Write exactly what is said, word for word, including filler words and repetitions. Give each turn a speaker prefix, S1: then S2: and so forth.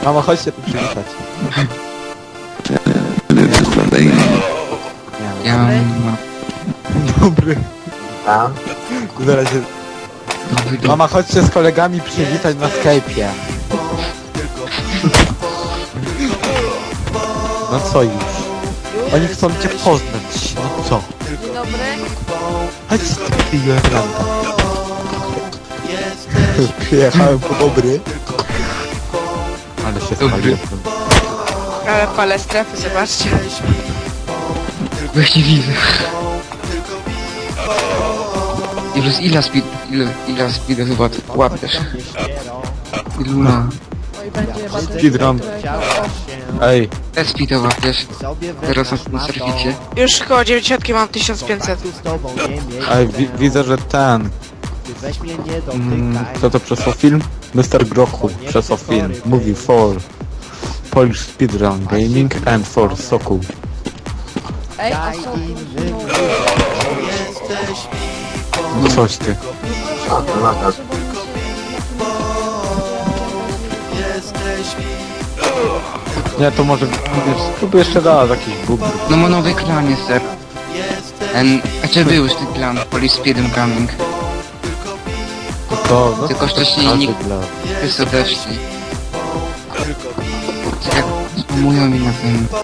S1: Mamo, chodź się tu przywitać.
S2: Ja mam...
S1: Dobry.
S3: Tam?
S1: Zaraz się...
S2: Dobry, dobry.
S1: Mama, chodź się z kolegami przywitać na Skype'ie. No co już? Oni chcą cię poznać. No co?
S4: Dzień dobry.
S1: Chodź ty Jolanta. Przyjechałem po dobry. Ale się
S2: Dobry.
S1: spaliłem.
S4: Ale palę strefy, zobaczcie.
S2: Właśnie widzę. Ile, ile speed, ile, ile speeda chyba ty łapiesz? Iluna.
S4: Oj, będzie bateria.
S1: Speedrun. Ej,
S2: Ile speeda łapiesz? Teraz na, na serwicie.
S4: Już koło dziewięćdziesiąt mam tysiąc pięćset.
S1: ej, wi widzę, że ten... Mm, kto to przesłał film? mister Grochu przesłał film. Movie for Polish Speedrun Gaming and for Sokół.
S4: Ej, a co?
S1: No coś ty.
S3: A, to nadal.
S1: Nie, to może... Wiesz, spróbuj jeszcze raz jakiś bóg.
S2: No ma nowy klan jest, ser. En, a czy był już ten klan? Police Speedrun Gaming.
S1: To, no,
S2: Tylko wcześniej
S1: każdy
S2: nikt-
S1: dla-
S2: Wszyscy odeszli. Tak jak spamują mi na tym.